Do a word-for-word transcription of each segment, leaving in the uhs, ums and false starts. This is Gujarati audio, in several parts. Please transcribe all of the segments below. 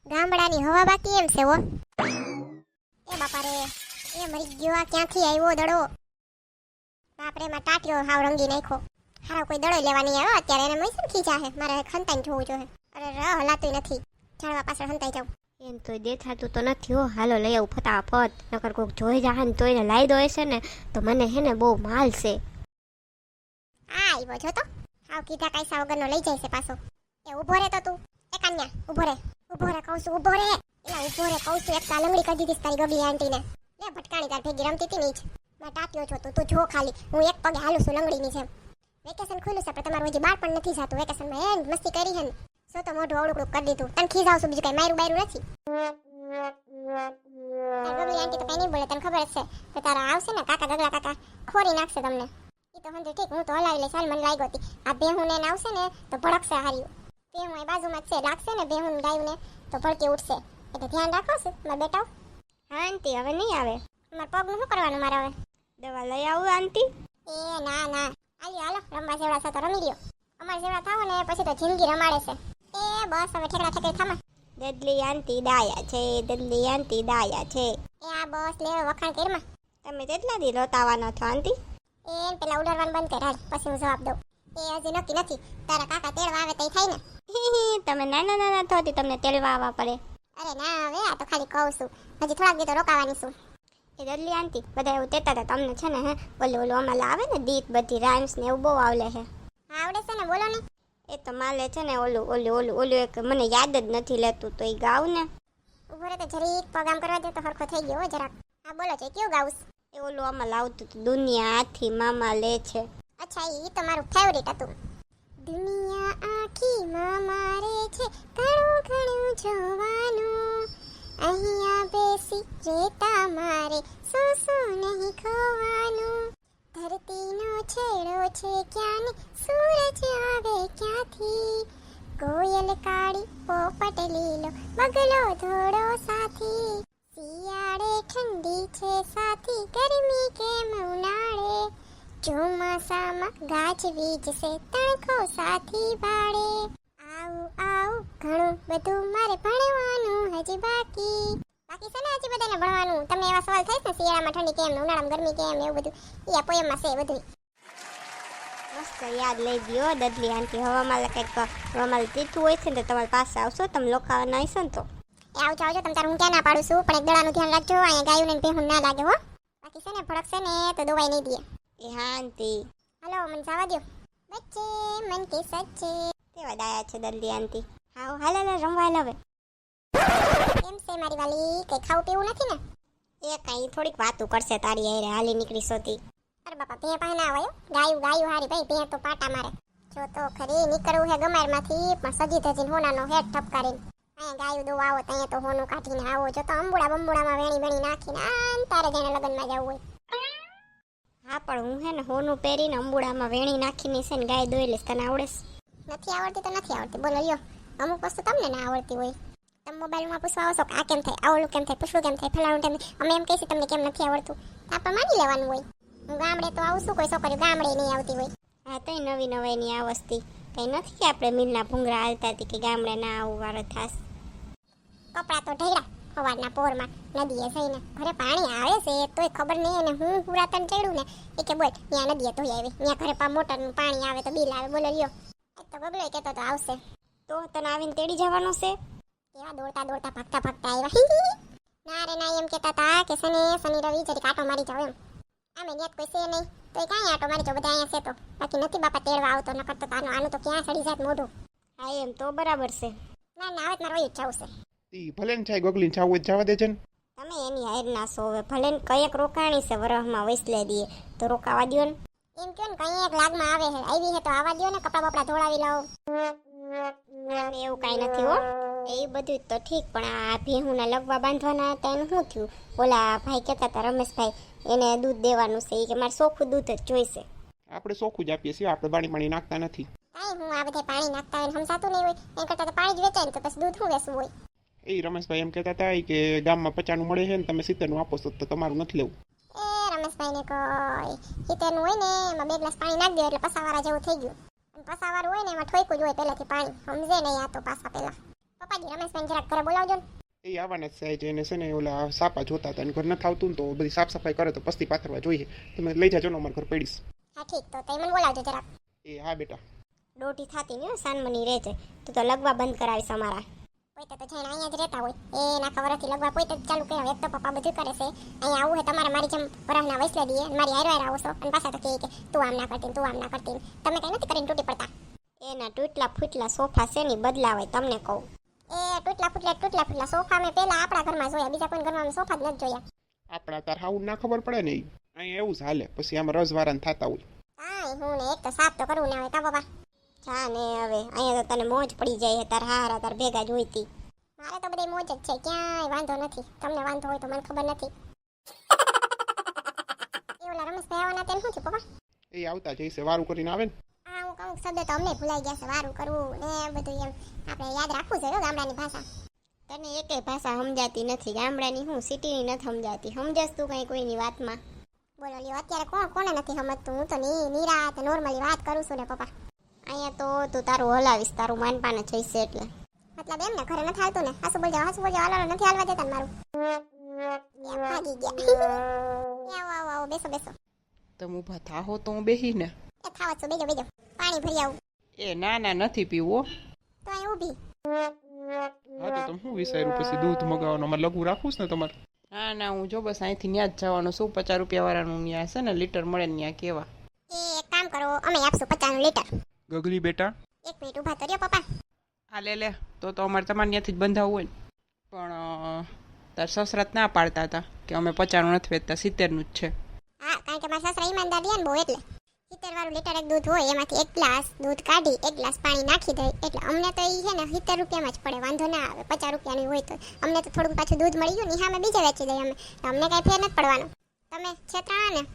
ગામડાની હવા બાકી એમ છે હો. એ બાપા રે, એ મરી ગયો. આ ક્યાંથી આવ્યો દડો? બાપરે, માં ટાટ્યો હાવ રંગી નાખ્યો. હારો કોઈ દડો લેવા નહીં આવ્યો અત્યારે. એને મૈસમ ખીચા હે. મારે ખંતાઈને જોવું જોઈએ. અરે ર હલાતું નથી. ઝાડવા પાછળ હંતાઈ જાઉં. એમ તો દેખાતું તો નથી હો. હાલો લઈ આવું ફટાફટ, નકર કોઈક જોઈ જાય ને તો એને લાઈ દો હશે ને તો મને હે ને બહુ માલ છે. આ આવ્યો જો તો. હાવ કીધા કાયસા વગરનો લઈ જાય છે પાછો. એ ઊભો રે તો તું. એ કન્યા ઊભો રે. ઊભો રે કહું છું, ઊભો રે. એલા ઊભો રે કહું છું. એક કાલંગડી કરી દીધી તારી ગગલી આંટીને. લે ભટકાણી તાર ભેગી રમતી હતી ને જ. માં ટાટ્યો છો તું. તું જો ખાલી. હું એક પગે હાલું છું લંગડીની જેમ. વેકેશન ખુલ્લું છે પણ તમારું હજી બાર પણ નથી જાતું. વેકેશનમાં એન મસ્તી કરી હે ને. સો તો મોઢું અવળું કરી દીધું. તને ખીજાવ છું બીજું કઈ મારું બાયરું નથી. તાર ગગલી આંટી તો કઈ નહીં બોલે. તને ખબર જ છે કે તારા આવશે ને કાકા ગગલા કાકા ખોરી નાખશે તમને. એ તો હંધે ઠીક, હું તો હલાવી લઈશ. હાલ મને લાગ્યો હતી આ બેહું ને આવશે ને તો ભડકશે હાર્યું. બેહું એ બાજુમાં જ છે. લાગશે ને બેહું ગાયું ને તો ભડકી ઉઠશે. એટલે ધ્યાન રાખો છું મારા બેટાઓ. હા આંટી, હવે નહીં આવે. મારા પગનું શું કરવાનું મારે હવે? દવા લઈ આવું આંટી? એ ના ના, આલ્યો હાલો. રમવા જેવડા છે તો રમી લ્યો. અમારે જેવડા થાવ ને પછી તો જિંદગી રમાડે છે. એ બસ હવે ઠેકડા ઠેકડી થામા. દદલી આંટી ડાયા છે, દદલી આંટી ડાયા છે. એ આ બસ લે વખાણ કરમાં. તમે કેટલા દી રોતાવાના છો આંટી? એ પેલા ઉડાડવાનું બંધ કર હાલ, પછી હું જવાબ દઉં. એ હજી નક્કી નથી. તારા કાકા તેડવા આવે તઈ થાય ને. તમે નાના નાના થોતી તમને તેલવા આવવા પડે. અરે ના હવે, આ તો ખાલી કહું છું. હજી થોડાક દી તો રોકાવાની છું. એ દદલી આંટી બધા એવું કહેતા હતા તમને છે ને હે ઓલું ઓલું અમારે આવે ને ગીત બધી રાઇમ્સ ને એવું બહુ આવડે છે. હા આવડે છે ને, બોલો ને. એ તો માલે છે ને ઓલું ઓલું ઓલું ઓલું એક મને યાદ જ નથી લેતું તો એ ગાવ ને. ઉભો રે તો જરીક પગામ કરવા દે તો હરખો થઈ ગયો હો જરાક. હા બોલો છે, કયું ગાઉસ? એ ઓલું આમાં લાવતું હતું દુનિયા આથી મામા લે છે. અચ્છા, ઈ તો મારું ફેવરિટ હતું. દુનિયા આખી માં મારે છે, ઘણું ઘણું જોવાનું. અહીંયા બેસી રેતા મારે શું શું નહીં ખોવાનું. ધરતીનો છેડો છે ક્યાં ને સૂરજ આવે ક્યાંથી. કોયલ કાળી પોપટ લીલો બગલો ધોળો સાથી. શિયાળે ઠંડી છે સાથી, ગરમી કેમ ઉનાળે. ચોમાસામાં ગાજવીજ છે, તણખો સાથી બાળે. આવું આવું ઘણું બધું મારે ભણવાનું હજી બાકી. બાકી છે ને હજી બધાને ભણવાનું. તમને એવા સવાલ થાય ને શિયાળામાં ઠંડી કેમ ને ઉનાળામાં ગરમી કેમ ને એવું બધું, એ આ પોયમમાં છે બધું. મસ્ત યાદ લઈ ગયો દદલી આંટી. હવામાં કંઈક હવામાં તીઠું હોય છે ને તમારી પાસે આવશો તમે લોકાવાના હશો ને તો. એ આવજો આવજો, તમે તારું હું ક્યાં ના પાડું છું, પણ એક દડાનું ધ્યાન રાખજો. અહીંયા ગાયું ને ભેહું ના લાગે હો. બાકી છે ને ભડકશે ને તો દવાઈ નહીં દે. એ હા આંટી. હલો મને જવા દો. બચ્ચે મન કે સચ્ચે. કેવા ડાયા છે દદલી આંટી. હા હાલ હાલ રમવા હાલ હવે. કેમ છે મારી વાલી? કઈ ખાવું પીવું નથી ને? એ કઈ થોડીક વાતું કરશે તારી હારે હાલી નીકળી સોતી. અરે બાપા, ભે પાસે ના આવ્યો. ગાયું ગાયું હારી ભાઈ, ભે તો પાટા મારે. જો તો ખરી નીકળવું હે ગમારમાંથી પણ સજી ધજીને હોનાનો હેડ ઠપકારીને. અહીંયા ગાયું દો આવો તો અહીંયા તો હોનું કાઢીને આવો. જો તો અંબુડા બંબુડામાં વેણી વેણી નાખીને આમ તારે જઈને લગ્નમાં જવું હોય. હા પણ હું હે ને હોનું પહેરીને અંબુડામાં વેણી નાખીને છે ને ગાય દોઈ લઈશ. તને આવડે? નથી આવડતી તો નથી આવડતી, બોલો લ્યો. અમુક વસ્તુ તમને ના આવડતી હોય. તમે મોબાઈલમાં પૂછવા આવશો કે આ કેમ થાય, આવડું કેમ થાય, પૂછવું કેમ થાય, ફલાણું કેમ થાય. અમે એમ કહીશું તમને કેમ નથી આવડતું, આપણે માની લેવાનું હોય. હું ગામડે તો આવું છું, કોઈ છોકરીઓ ગામડે નહીં આવતી હોય. હા તો નવી નવાઈની આ વસ્તી કંઈ નથી કે આપણે મિલના ભૂંગરા હાલતા હતી કે ગામડે ના આવું વારો થાસ. કપડાં તો ઢળ્યા સવારના પોરમાં નદીએ જઈને. ઘરે પાણી આવે છે તોય ખબર નહીં. અને હું પુરાતન ચડ્યું ને એ કે બોલ ત્યાં નદીએ ધોઈ આવી, ત્યાં ઘરે પા મોટરનું પાણી આવે તો બિલ આવે. બોલો લ્યો. એ તો ગગલો કહેતો તો આવશે તો તને આવીને તેડી જવાનું છે. કેવા દોડતા દોડતા ભાગતા ભાગતા આવ્યા. ના રે ના, એમ કહેતા હતા કે શનિ શનિ રવિ જરી આટો મારી જાવ એમ. આમે ન્યાત કોઈ છે નહીં તો કાંઈ આટો મારી જાવ, બધા અહીંયા છે તો. બાકી નથી બાપા તેડવા આવતો, ન કરતો આનું આનું તો ક્યાં સડી જાત મોઢું. હા એમ તો બરાબર છે. ના ના, હવે મારે વયું જ જવું છે. ઈ ભલે ને થાય ગગલીને જાવું હોય જવા દે છે ને. તમે એની હાર ના સો હવે ભલે ને કયેક રોકાણી છે વરહમાં વૈસલે દઈએ તો રોકાવા દ્યો ને. એમ કયો ને કઈ એક લાગમાં આવે છે, આવી છે તો આવા દ્યો ને, કપડા બપડા ધોળાવી લાવો. એવું કાંઈ નથી હો. એ બધું તો ઠીક પણ આ ભેહુંના લગવા બાંધવાના હતા એનું શું થયું? ઓલા ભાઈ કહેતા હતા રમેશભાઈ એને દૂધ દેવાનું છે એ કે મારે ચોખ્ખું દૂધ જ જોઈશે. આપણે ચોખ્ખું જ આપીએ છીએ, આપણે પાણી પાણી નાખતા નથી. કાંઈ હું આ બધે પાણી નાખતા હોય સમજાતું નહીં હોય. એમ કરતા તો પાણી જ વેચાય ને તો પછી દૂધ શું વેચવું હોય. એ રમેશભાઈ એમ કહેતા હતા કે ગામમાં પચાસનું મળે છે ને તમે સિત્તેરનું આપો છો તો તમારું નથી લેવું. એ રમેશભાઈને કોઈ હિતેરનું હોય ને એમાં બે ગ્લાસ પાણી નાખી દો એટલે પસાવાળા જેવું થઈ ગયું. અને પસાવાળું હોય ને એમાં ઠોયકું જ હોય પહેલાથી પાણી, સમજે નહીં આ તો પાસા પહેલા. પપ્પાજી રમેશભાઈ જરાક ઘરે બોલાવજો ને. એ આવવાના જ છે આજે એને છે ને ઓલા સાપા જોતા હતા અને ઘર નથી આવતું ને તો બધી સાફ સફાઈ કરે તો પસ્તી પાથરવા જોઈએ. તમે લઈ જાજો ને અમારા ઘર પડીશ. હા ઠીક, તો તઈ મને બોલાવજો જરાક. એ હા બેટા. દોઢી થાતી નહીં સાનમની રહે છે. તું તો લગવા બંધ કરાવીશ અમારા. પોતે તો જઈને અહીંયા જ રહેતા હોય એ નાખા વરસથી લગવા પોતે જ ચાલુ કર્યા. એક તો પપ્પા બધું કરે છે. અહીંયા આવું હોય તમારે મારી જેમ વરસના વૈસલે દઈએ અને મારી હારે હારે આવો છો અને પાછા તો કહે કે તું આમ ના કરતી તું આમ ના કરતી. તમે કઈ નથી કરીને તૂટી પડતા. એના તૂટલા ફૂટલા સોફા છે ને બદલાવાય તમને કહું. એ તૂટલા ફૂટલા તૂટલા ફૂટલા સોફા મેં પહેલા આપણા ઘરમાં જોયા, બીજા કોઈ ઘરમાં સોફા જ નથી જોયા. આપણા તાર હાવું ના ખબર પડે ને ઈ. અહીંયા એવું જ હાલે પછી આમાં રસવારાને થતા હોય. કાંઈ હું ને એક તો સાફ તો કરવું ના હોય કા બાબા. જા ને હવે અહીંયા તો તને મોજ પડી જાય તાર હારા તાર ભેગા જ હોઈતી. મારે તો બધી મોજ જ છે, ક્યાંય વાંધો નથી. તમને વાંધો હોય તો મને ખબર નથી. એ ઓલા રમેશભાઈ આવવાના તેમ શું થયું પપ્પા? એ આવતા જઈશે વારું કરીને આવે ને. હા અમુક અમુક શબ્દ તો અમને ભૂલાઈ ગયા છે, વારું કરવું ને બધું એમ આપણે યાદ રાખવું જોઈએ ગામડાની ભાષા. તને એકેય ભાષા સમજાતી નથી ગામડાની, હું સિટીની નથી સમજાતી. સમજસ તું કઈ કોઈની વાતમાં? બોલો લ્યો અત્યારે કોણ કોને નથી સમજતું? હું તો ની નિરાત નોર્મલી વાત કરું છું ને પપ્પા. અહીંયા તો તું તારું હલાવીશ, તારું માનપાને જઈશે એટલે. મતલબ એમ ને ઘરે નથી હાલતું ને? હાસુ બોલજો હાસુ બોલજો, હાલવાનું નથી હાલવા દેતા ને મારું. એમ ભાગી ગયા. આવો આવો આવો બેસો બેસો. તમે ઊભા થાહો તો હું બેહી ને. એ થાવા છો, બેજો બેજો. પાણી ભરી આવું. એ ના ના નથી પીવો. તો અહીં ઊભી. હા તો તમે શું વિચાર્યું પછી દૂધ મગાવવાનું અમારે લઘુ રાખવું છે ને તમારે? ના ના હું જો બસ અહીંથી ત્યાં જ જવાનું શું પચાસ રૂપિયા વાળાનું ત્યાં છે ને લીટર મળે ને ત્યાં કેવા. એ એક કામ કરો, અમે આપશું પચાસનું લીટર. ગગલી બેટા. એક મિનિટ ઊભા તો રહ્યો પપ્પા. હા લે લે તો તો અમારે તમારે ત્યાંથી જ બંધાવવું હોય ને. પણ તાર સસરાત ના પાડતા હતા કે અમે પચાસનું નથી વેચતા, સિત્તેરનું જ છે. હા કારણ કે મારા સાસરા ઈમાનદાર રહ્યા ને બહુ એટલે. સિત્તેર વાળું લીટર એક દૂધ હોય એમાંથી એક ગ્લાસ દૂધ કાઢી એક ગ્લાસ પાણી નાખી દઈ એટલે અમને તો એ છે ને સિત્તેર રૂપિયામાં જ પડે, વાંધો ના આવે. પચાસ રૂપિયાનું હોય તો અમને તો થોડુંક પાછું દૂધ મળી ગયું ને સામે બીજે વેચી દઈએ અમે, તો અમને કાંઈ ફેર નથી પડવાનો. તમે છેતરાણા ને?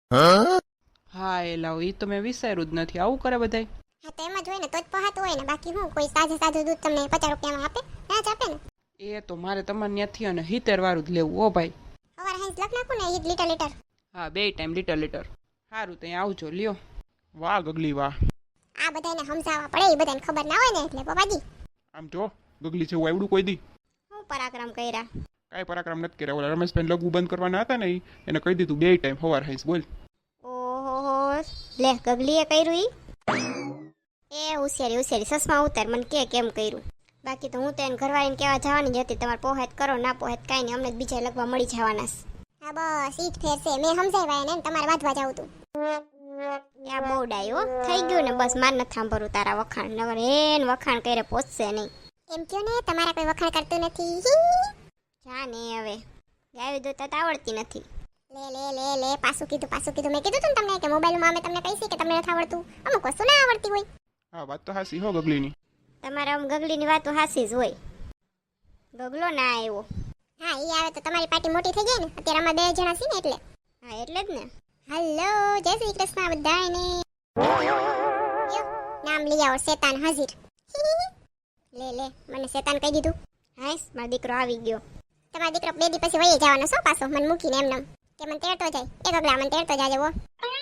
હા એ લાવ એ તો મેં વિચાર્યું જ નથી, આવું કરે બધાય. હા તો એમ જ હોય ને તો જ પહાતું હોય ને, બાકી હું કોઈ સાજે સાજું દૂધ તમને પચાસ રૂપિયામાં આપે? ના જ આપે ને. એ તો મારે તમારે ત્યાંથી અને સિત્તેર વાળું જ લેવું હો ભાઈ. સવારે હાઈસ લખ નાખું ને એ લીટર લીટર. હા બે ટાઈમ લીટર લીટર. સારું ત્યાં આવજો લ્યો. વાહ ગગલી વાહ. આ બધાને સમજાવવા પડે, એ બધાને ખબર ના હોય ને એટલે પપ્પાજી. આમ જો ગગલી જેવું આવડું કોઈ દી હું પરાક્રમ કર્યા. કાંઈ પરાક્રમ નથી કર્યા. ઓલા રમેશભાઈ લઘુ બંધ કરવાના હતા ને ઈ એને કહી દીધું બે ટાઈમ સવાર હાઈસ બોલ. ઓહો લે ગગલીએ કર્યું ઈ. એ હોશિયારી હોશિયારી સસમા ઉતાર મને કે કેમ કર્યું. બાકી તો હું તો એને ઘરવાળીને કહેવા જવાની જ હતી, તમારે પોહેત કરો ના પોહેત કાંઈ નહીં, અમને બીજા લગવા મળી જવાના. હા બસ ઈ જ ફેર છે, મેં સમજાવ્યા એને તમારે વાંચવા જાવ તું. આ બહુ ડાયો થઈ ગયું ને બસ માર નથી સાંભળવું તારા વખાણ, નગર એન વખાણ કરે પહોંચશે નહીં. એમ કયો ને તમારા કોઈ વખાણ કરતું નથી. જા ને હવે ગાયું દોતા તો આવડતી નથી. લે લે લે લે પાછું કીધું પાછું કીધું. મેં કીધું તું ને તમને કે મોબાઈલમાં અમે તમને કહીશી કે તમને નથી આવડતું. અમુક વસ્તુ ના આવડતી હોય. હા વાત તો હાસી હો ગગલીની. તમારે આમ ગગલીની વાતો હાસી જ હોય. ગગલો ના આવ્યો. હા ઈ આવે તો તમારી પાર્ટી મોટી થઈ જાય ને. અત્યારે અમે બે જણા છીએ ને એટલે. હા એટલે જ ને. હેલો જય શ્રી કૃષ્ણ બધાને. યો નામ લઈ આવો શેતાન હાજર. લે લે મને શેતાન કહી દીધું. હાઈસ મારો દીકરો આવી ગયો. તમારો દીકરો બે દી પછી વહી જવાનો છો પાછો મને મૂકીને એમ નામ કે મને તેડતો જાય. એ ગગલા મને તેડતો જાજે વો.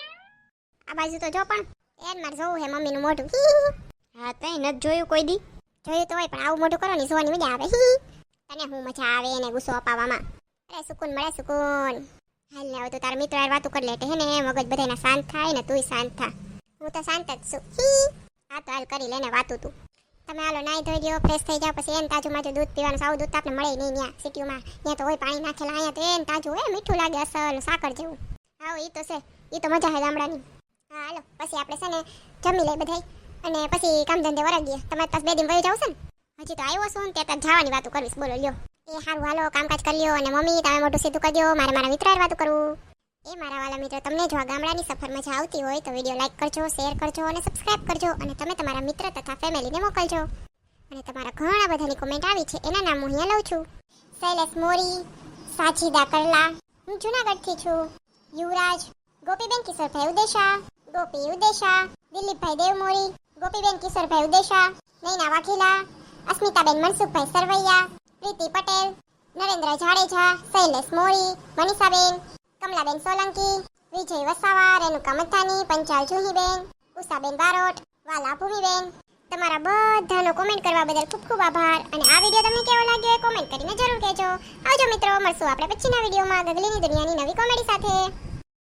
આ બાજુ તો જો પણ એન માર જોવું હે મમ્મીનું મોઢું. હા તઈ નથી જોયું કોઈ દી. જોયું તો હોય પણ આવું મોઢું કરો ને જોવાની મજા આવે. તને હું મજા આવે એને ગુસ્સો અપાવવામાં. અરે સુકૂન મળે સુકૂન. હાલ ને હવે તો તારા મિત્ર યાર વાતું કરી લે હે ને મગજ બધાના શાંત થાય ને તુંય શાંત થા. હું તો શાંત જ છું. હા તો હાલ કરી લેને વાતું તું. તમે હાલો નાઈ ધોઈ લ્યો ફ્રેશ થઈ જાવ પછી એને તાજું માજું દૂધ પીવાનું સાવ દૂધ તો આપણે મળે નહીં ત્યાં સિટીમાં. ત્યાં તો હોય પાણી નાખેલા, અહીંયા તો એને તાજું હોય મીઠું લાગે અસલ સાકર જેવું. હા એ તો છે એ તો મજા છે ગામડાની. હા હાલો પછી આપણે છે ને જમી લઈ બધાય અને પછી કામ ધંધે વરાગીએ. તમારે પાસ બે દિન વહી જાવ છે ને? હજી તો આવ્યો છું ને ત્યાં તાર જવાની વાતું કરવીશ. બોલો લ્યો. એ સારું હાલો કામકાજ કરી લ્યો અને મમ્મી તમે મોટું સીધું કરી દો, મારે મારા મિત્ર વાતું કરવું. એ મારા વાલા મિત્ર તમને જો આ ગામડાની સફર મજા આવતી હોય તો વિડીયો લાઈક કરજો, શેર કરજો અને સબસ્ક્રાઇબ કરજો અને તમે તમારા મિત્ર તથા ફેમિલીને મોકલજો. અને તમારા ઘણા બધાની કોમેન્ટ આવી છે એના નામ હું અહીંયા લઉં છું. શૈલેષ મોરી, સાજીદા કરલા, હું જુનાગઢથી છું. યુવરાજ, ગોપીબેન કિશોરભાઈ ઉદેશા, ગોપી ઉદેશા, દિલીપભાઈ દેવમોરી, ગોપીબેન કિશોરભાઈ ઉદેશા, નૈના વાઘેલા, અસ્મિતાબેન મનસુખભાઈ સરવૈયા, પ્રીતિ પટેલ, નરેન્દ્ર જાડેજા, શૈલેષ મોરી, મનીષાબેન, કમલાબેન સોલંકી, વિજય વસાવા, રેણુકા મથાની, પંચાલ જુહીબેન, ઉષાબેન બારોટ, વાલા ભૂમિબેન, તમારા બધાનો કોમેન્ટ કરવા બદલ ખૂબ ખૂબ આભાર અને આ વિડીયો તમને કેવો લાગ્યો એ કોમેન્ટ કરીને જરૂર કહેજો. આવજો મિત્રો, મળશું આપણે પછીના વિડીયોમાં ગગલીની દુનિયાની નવી કોમેડી સાથે.